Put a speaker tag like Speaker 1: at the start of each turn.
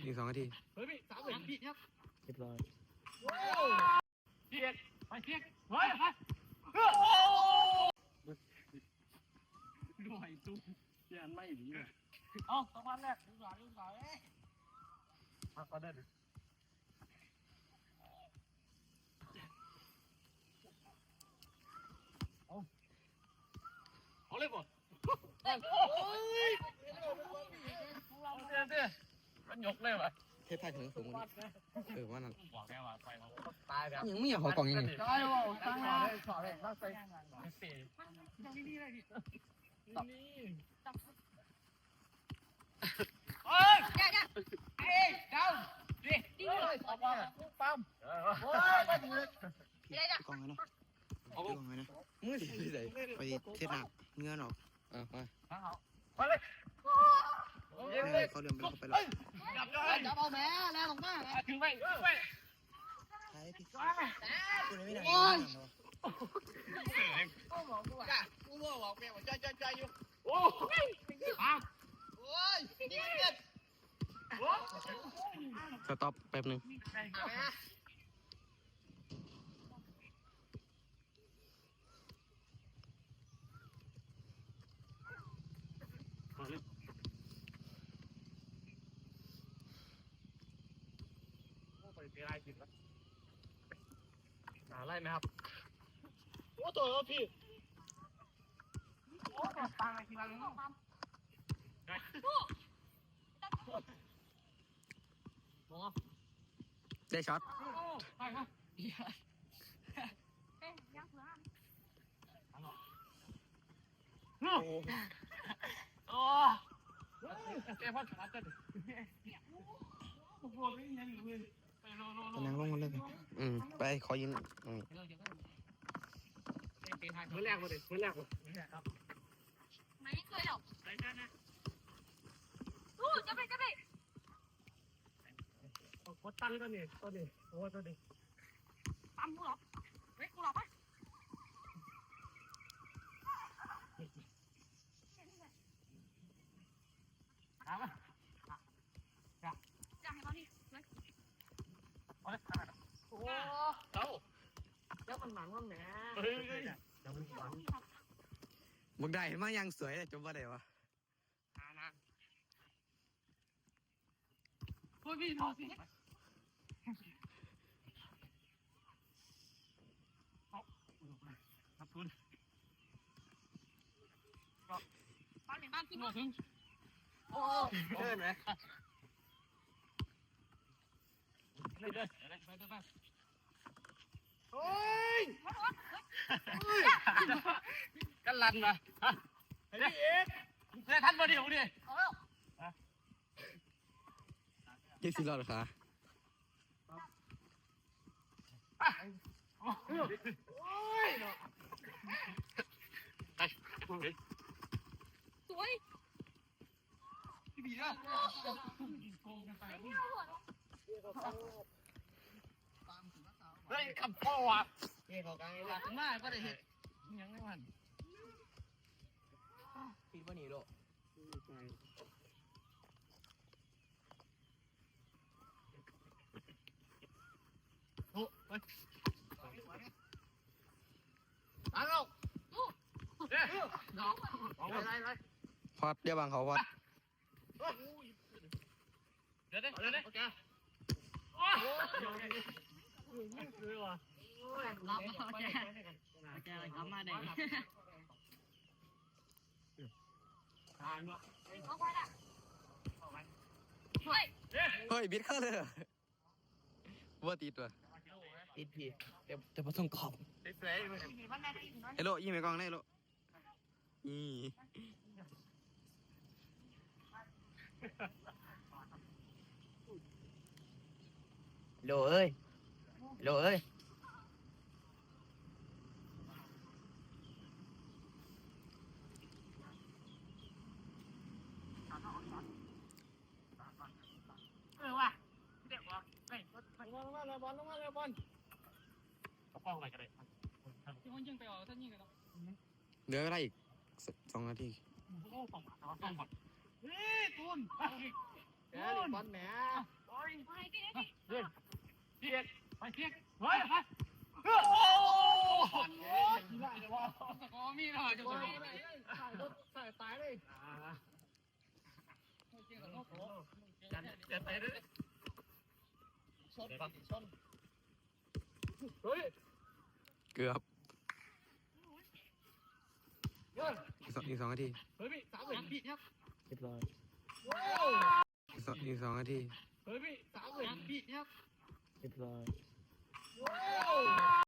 Speaker 1: อีก2 นาที
Speaker 2: เฮ้ยพี่3 นาทีครับ
Speaker 1: เรียบร้อย
Speaker 2: เทียกไปเทียกเฮ้ยไปด้วยตุ้มเทียนไม่ดีเลยเอ้าต้องมาแรกดูหลังพักก็ได้ดิเอาเลยบ่โอ้ยเดี๋ยวมันยกเลยวะ
Speaker 1: เทปไทยถึงสูงกว่านี้ว่านั่น
Speaker 2: บอกแกว่าไปตายแบบ
Speaker 1: ยังไม่อยากขอกล่องยังไง
Speaker 2: ตายว่ะตายเลยขอเลยตั้งใจสี่ต้องนี่เลยดินี่เอ้ยเอ้ยดาวดิเลยปั๊มโอ้ยไปถึงเลย
Speaker 1: กล่องไงนะเอากล่องไงนะมึงสิไปใส่ไปเทปหนักเงื่อนออก
Speaker 2: ไปเลย
Speaker 1: เขาเดินไปเขาไปแล้ว
Speaker 2: จับเอาแม่แล้วลงมาถึงไป
Speaker 1: ใช่พี่กูไม่ได้
Speaker 2: โอ้ยกูบอกแม่ว่าใจอยู่โอ้ยโอ้ย
Speaker 1: สต็อปแป๊บนึง
Speaker 2: ไล่ไหมครับโอ้ตัวพี่โอ้ตายทีละนิด
Speaker 1: ได้ช็อต
Speaker 2: ไปครับโอ้แกพ่อขาดจะโอ้โหไม่ยังอยู่เลย
Speaker 1: นั่งลงกันเลยไปขอยืนตรงนี้
Speaker 2: มือแรกเลยครับ
Speaker 3: ไม่เคยหรอกสู้จะไป
Speaker 2: กดตั้งตัวนี้โอ้ตัวนี้
Speaker 3: ปั๊มกูหรอเฮ้ยกูหรอปะ
Speaker 2: ถามอ่ะ
Speaker 3: จะให้เขาที่
Speaker 2: โอ้เอ้าแล้วมันหมันว่าแหม
Speaker 1: มึงได้มายังสวยเลยจบว่าได้วะ
Speaker 2: โอ้ยพี่ดูสิครับคุณ
Speaker 3: บ้านไหนบ้านขึ้น
Speaker 2: ถึงโอ้เดินไหมเดินไปโอ้ยกันลันมาเฮ้ยเอ็กเนี่ยท่านมาเดี๋ยวดิ
Speaker 1: ยี่สิบรอดเหรอคะ
Speaker 2: โอ้ยไป
Speaker 3: สวย
Speaker 2: พี่บีนะเฮ้ยขับพ่อว่ะเฮ้ยเขากลางเลยนะมาก็ได้เห็นยังไม่มันปีนว่าหนีโลโอ้ไปตั้งเอาเฮ้ยน้องอะไร
Speaker 1: พอดเดี๋ยวบางเขาพอด
Speaker 2: เดี๋ยวโอเคโอ้ยเลยว่ะ
Speaker 3: รับโอเคกลับมาได้
Speaker 1: เฮ้ยบิดเข้าเลยว่าตีตัว
Speaker 2: ติดพี่
Speaker 1: แต่พอต้องกรอบเฮลโลยิงไปกองได้เฮลโล
Speaker 2: โลเอ้ย
Speaker 3: ว่ะ
Speaker 2: เด็กวะเฮ้ยบอลเอาเข้าไปกันเลยที่มันยิงไปท่านยิงกันเนาะ
Speaker 1: เหลืออะไรอีก2 นาที
Speaker 2: โอ้ต้องบอลเฮ้ยตูนบอลแหมมีหน่อยจะไปใส่ตายเลยจะไปเลยชนเฮ้ย
Speaker 1: เกือบอีกสองนาที
Speaker 2: เฮ้ยพี่สามเหลี่ยมพี่ครับ
Speaker 1: อีกสองนาที
Speaker 2: เฮ้ยพี่สามเหลี่ยมพี่ครับ
Speaker 1: เรียบร้อย